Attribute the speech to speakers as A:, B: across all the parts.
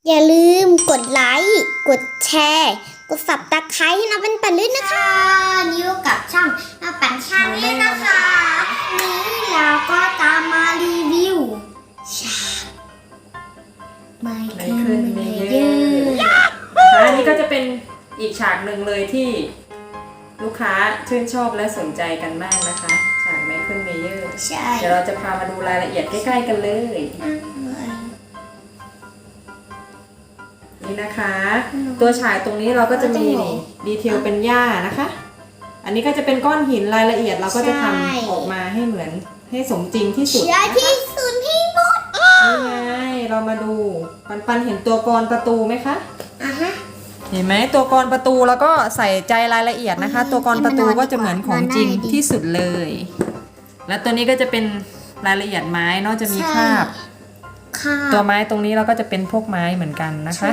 A: อย่าลืมกดไลค์ กดแชร์ กด Subscribe ให้น้องเป็นปั่นด้วยนะคะนี่อยู่กับช่องน้องปั่นชาแนลนะคะนี้เราก็ตามมารีวิวฉากไม่ขึ้นเมเยอร์
B: อันนี้ก็จะเป็นอีกฉากหนึ่งเลยที่ลูกค้าชื่นชอบและสนใจกันมากนะคะฉากไมเคิลเมเยอร์
A: ใช่
B: เดี๋ยวเราจะพามาดูรายละเอียดใกล้ๆกันเลยนี่นะคะตัวฉากตรงนี้เราก็จะมีดีเทลเป็นหญ้านะคะอันนี้ก็จะเป็นก้อนหินรายละเอียดเราก็จะทำออกมาให้เหมือนให้สมจริงที่สุด
A: ใช่ที่สุดที่หมด
B: นี่ไงเรามาดูปันเห็นตัวกรประตูไหมคะเห็นไหมตัวกรประตูแล้วก็ใส่ใจรายละเอียดนะคะตัวกรประตูก็จะเหมือนของจริงที่สุดเลยและตัวนี้ก็จะเป็นรายละเอียดไม้เนาะจะมีคราบตัวไม้ตรงนี้เราก็จะเป็นพวกไม้เหมือนกันนะคะ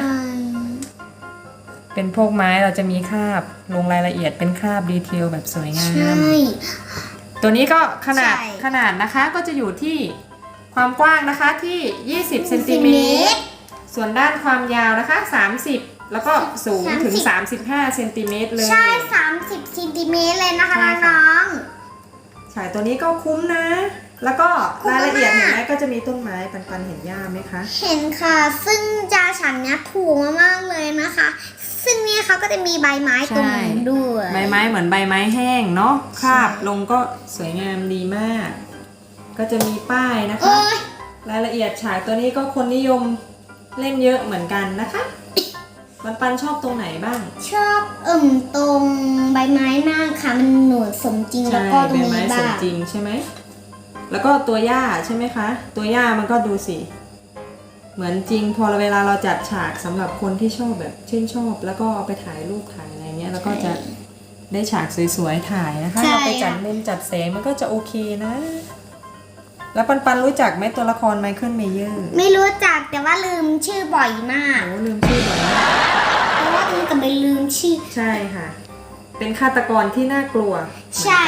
B: เป็นพวกไม้เราจะมีคราบลงรายละเอียดเป็นคราบดีเทลแบบสวยงามตัวนี้ก็ขนาดนะคะก็จะอยู่ที่ความกว้างนะคะที่20เซนติเมตรส่วนด้านความยาวนะคะ30แล้วก็สูงถึง35เซนติเมตรเลย
A: ใช่30เซนติเมตรเลยนะคะน้อง
B: ใช่ตัวนี้ก็คุ้มนะแล้วก็รายละเอียดเห็นไหมก็จะมีต้นไม้ปันเห็นหญ้าไหมคะ
A: เห็นค่ะซึ่งจาฉันเนี้ยถูกมากๆเลยนะคะซึ่งนี่เขาก็จะมีใบไม้ตรงนี้ด้วย
B: ใบไม้เหมือนใบไม้แห้งเนาะคราบลงก็สวยงามดีมากก็จะมีป้ายนะคะรายละเอียดฉากตัวนี้ก็คนนิยมเล่นเยอะเหมือนกันนะคะปันชอบตรงไหนบ้าง
A: ชอบตรงใบไม้มากค่ะมันหนวดสมจริงแล้วก็ตรงนี้บ้างใบไม้สม
B: จริงใช่ไหมแล้วก็ตัวหญ้าใช่ไหมคะตัวหญ้ามันก็ดูสิเหมือนจริงพอเวลาเราจัดฉากสำหรับคนที่ชอบแบบชื่นชอบแล้วก็เอาไปถ่ายรูปถ่ายอะไรเงี้ยแล้วก็จะได้ฉากสวยๆถ่ายนะคะเราไปจัดมุมจัดแสงมันก็จะโอเคนะแล้วปันรู้จักไหมตัวละครไมเคิลเมเยอร์
A: ไม่รู้จักแต่ว่าลืมชื่อบ่อยมาก
B: โอ้ลืมชื่อบ่อยมาก
A: เพราะว่ามันก็ไม่ลืมชื่อ
B: ใช่ค่ะเป็นฆาตกรที่น่ากลัว
A: ใช่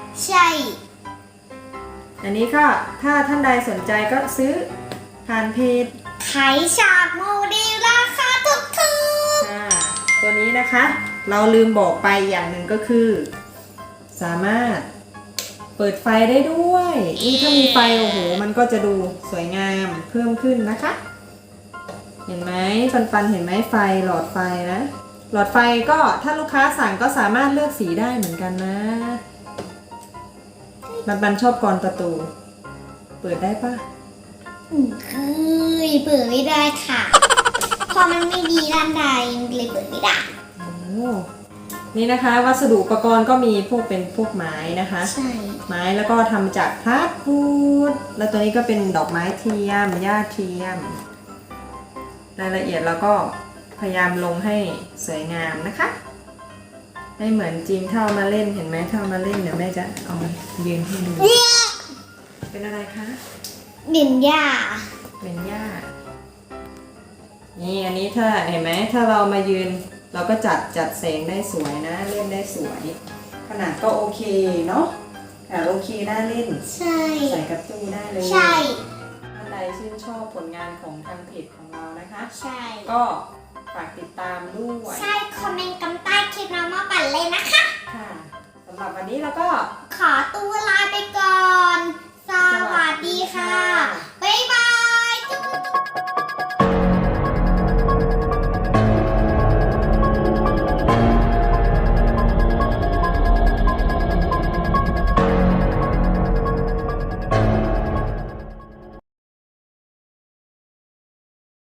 B: อันนี้ก็ถ้าท่านใดสนใจก็ซื้อผ่านเพจ
A: ขายฉากโมเดลราคาถูก
B: ตัวนี้นะคะเราลืมบอกไปอย่างหนึ่งก็คือสามารถเปิดไฟได้ด้วยนี่ถ้ามีไฟโอ้โหมันก็จะดูสวยงามเพิ่มขึ้นนะคะเห็นไหมปันเห็นไหมไฟหลอดไฟนะหลอดไฟก็ถ้าลูกค้าสั่งก็สามารถเลือกสีได้เหมือนกันนะปันชอบกรประตูเปิดได้ปะ
A: เปิดไม่ได้ค่ะพอมันไม่ดีด้านใดเลยเปิดไม่ได้
B: นี่นะคะวัสดุอุปกรณ์ก็มีเป็นพวกไม้นะคะ
A: ใช่
B: ไม้แล้วก็ทำจากพลาสติกแล้วตัวนี้ก็เป็นดอกไม้เทียมหญ้าเทียมรายละเอียดเราก็พยายามลงให้สวยงามนะคะให้เหมือนจริงเท่ามาเล่นเห็นไหมเท่ามาเล่นเดี๋ยวแม่จะเอายืนให้ดูเป็นอะไรคะ
A: เป็นหญ้า
B: นี่อันนี้ถ้าเห็นไหมถ้าเรามายืนเราก็จัดแสงได้สวยนะเล่นได้สวยขนาดก็โอเคเนาะโอเคน่าเล่น
A: ใช่
B: ใส่กับตู้ได้เลย
A: ใช่
B: ท่านใดชื่นชอบผลงานของทางเพจของเรานะคะ
A: ใช่
B: ก็ฝากติดตามด้วย
A: ใช่คอมเมนต์กันใต้คลิปน้องมาปั่นเลยนะคะ
B: ค่ะสำหรับวันนี้เราก็
A: ขอตัวลาไปก่อนสวัสดีค่ะบ๊ายบาย